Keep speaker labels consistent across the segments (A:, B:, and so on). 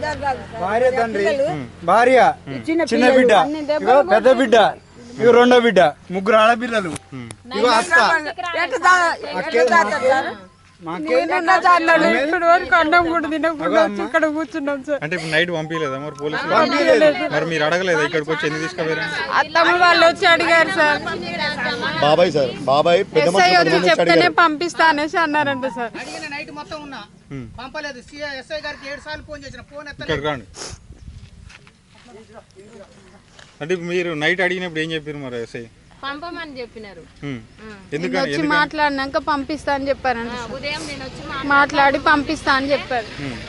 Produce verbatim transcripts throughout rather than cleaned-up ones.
A: భార్య తండ్రి భార్య చిన్న బిడ్డ ఇగో పెద్ద బిడ్డ ఇగో రెండో బిడ్డ ముగ్గురు ఆడపిల్లలు ఇగో అక్క
B: ఇక్కడ కూర్చున్నాం సార్. అంటే ఇప్పుడు నైట్ పంపించలేదా మరి పోలీసులు? మరి మీరు అడగలేదా ఇక్కడికి వచ్చి ఎందుకు తీసుకుపోయారు? అత్తమ్మ వాళ్ళు వచ్చి అడిగారు సార్.
C: బాబాయ్ సార్ బాబాయ్
B: ఎస్ఐ వచ్చి చెప్తేనే పంపిస్తా అనేసి అన్నారంట సార్.
D: నైట్ మొత్తం ఉన్నా పంపలేదు. ఎస్ఐ గారికి ఏడు సార్లు ఫోన్ చేసిన ఫోన్
B: ఇక్కడ రాండి. అంటే మీరు నైట్ అడిగినప్పుడు ఏం చెప్పారు మరి ఎస్ఐ?
E: పంపమని చెప్పినారు.
B: వచ్చి
E: మాట్లాడినాక పంపిస్తా అని చెప్పారు. ఉదయం నేను వచ్చి మాట్లాడి పంపిస్తా అని చెప్పారు.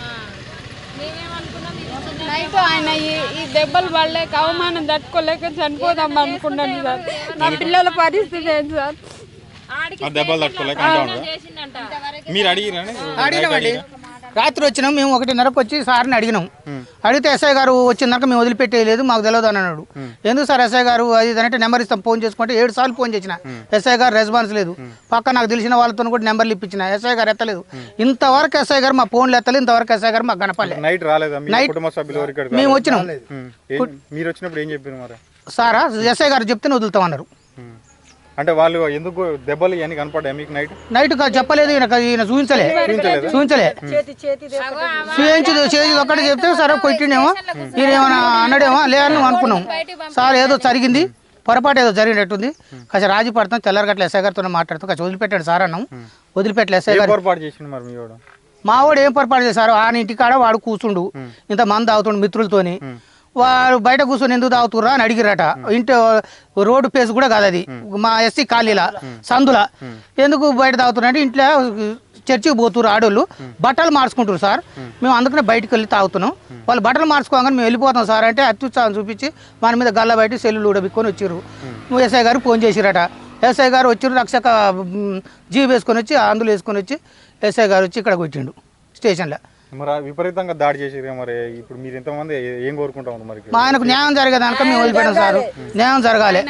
E: నైట్ ఆయన ఈ దెబ్బలు పడలేక అవమానం తట్టుకోలేక చనిపోదాం అనుకున్నాను సార్. నా పిల్లల పరిస్థితి ఏంటి సార్?
B: దెబ్బలు తట్టుకోలేక మీరు అడిగిరండి.
D: రాత్రి వచ్చినాం మేము ఒకటిన్నరకు వచ్చి సార్ని అడిగినాం. అడిగితే ఎస్ఐ గారు వచ్చిందాక మేము వదిలిపెట్టేయలేదు, మాకు తెలియదు అని అన్నాడు. ఎందుకు సార్ ఎస్ఐ గారు అది అంటే నెంబర్ ఇస్తాం ఫోన్ చేసుకుంటే ఏడు సార్లు ఫోన్ చేసిన ఎస్ఐ గారు రెస్పాన్స్ లేదు. పక్క నాకు తెలిసిన వాళ్ళతో కూడా నెంబర్లు ఇప్పించిన ఎస్ఐ గారు ఎత్తలేదు. ఇంతవరకు ఎస్ఐ గారు మా ఫోన్లు ఎత్తలేదు. ఇంతవరకు ఎస్ఐ గారు మాకు కనపడలేదు.
B: నైట్ రాలేదా?
D: నైట్ మేము వచ్చినాం.
B: మీరు వచ్చినప్పుడు ఏం చెప్పారు మరి?
D: సారా ఎస్ఐ గారు చెప్తే వదులుతామన్నారు.
B: అంటే వాళ్ళు ఎందుకు దెబ్బలు ఇవన్నీ కనపడ్డాయి మీకు? నైట్
D: నైట్ చెప్పలేదు, ఈయన ఈయన చూపించలే చూపించలే చూపించి చేసి ఒక్కటి చెప్తే సరే కొట్టిండేమో ఈయన ఏమైనా అన్నాడేమో లేదని నువ్వు అనుకున్నాం. సార్ ఏదో జరిగింది, పొరపాటు ఏదో జరిగినట్టుంది, కాస్త రాజీ పడతాం తెల్లారగట్ల ఎస్ఐ గారితో మాట్లాడుతాం, కాస్త వదిలిపెట్టాడు సార్ అన్నాం. వదిలిపెట్టలే ఎస్ఐ గారు.
B: పొరపాటు చేసిండు మరి మీ వాడు?
D: మా వాడు ఏం పొరపాటు చేశారు? ఆయన ఇంటికాడ వాడు కూర్చుండు, ఇంత మంది తాగుతుండు మిత్రులతోని. వాడు బయట కూర్చొని ఎందుకు తాగుతుర్రా అని అడిగిరట. ఇంటి రోడ్డు పేస్ కూడా కాదు అది, మా ఎస్సీ కాలనీలా సందుల. ఎందుకు బయట తాగుతున్నా ఇంట్లో చర్చికి పోతున్నారు ఆడోళ్ళు, బట్టలు మార్చుకుంటారు సార్. మేము అందుకనే బయటకు వెళ్ళి తాగుతున్నాం. వాళ్ళు బట్టలు మార్చుకోగానే మేము వెళ్ళిపోతాం సార్ అంటే అత్యుత్సాహం చూపించి మన మీద గల్ల బయట సెల్లు ఉడబిక్కొని వచ్చిర్రు. ఎస్ఐ గారు ఫోన్ చేసిరట. ఎస్ఐ గారు వచ్చిర్రు, రక్షక జీబు వేసుకొని వచ్చి అందులో వేసుకొని వచ్చి ఎస్ఐ గారు వచ్చి ఇక్కడ కొట్టిండు స్టేషన్లో.
B: మరి విపరీతంగా దాడి చేసిరు. మరి ఇప్పుడు మీరు ఎంతమంది ఏం కోరుకుంటా ఉన్నారు మరి?
D: మా ఆయనకు న్యాయం జరిగేదానిక మేము వదిలిపెట్టాం సార్. న్యాయం జరగాలి.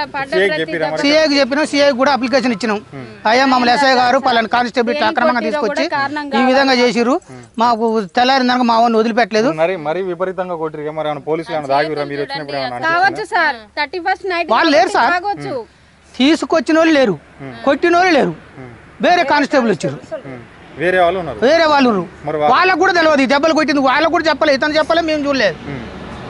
D: సిఐకి చెప్పినాం, సిఐకి కూడా అప్లికేషన్ ఇచ్చినాం. అయ్యా మమ్మల్ని ఎస్ఐ గారు పలానా కానిస్టేబుల్ అక్రమంగా తీసుకొచ్చి ఈ విధంగా చేసిరు, మాకు తెల్లారిందాక మా వాడిని వదిలిపెట్టలేదు.
B: మరి మరి విపరీతంగా కొట్టిరు. మరి పోలీసులు ఏమైనా దాగిరా మీరు వచ్చినప్పుడు?
D: వాళ్ళు లేరు సార్, తీసుకొచ్చిన వాళ్ళు లేరు, కొట్టిన వాళ్ళు లేరు, వేరే కానిస్టేబుల్ వచ్చారు.
B: వేరే వాళ్ళు ఉన్నారు,
D: వేరే వాళ్ళు వాళ్ళకు కూడా తెలియదు దెబ్బలు కొట్టింది. వాళ్ళకు కూడా చెప్పలేదు, ఇతను చెప్పలేదు, మేము చూడలేదు.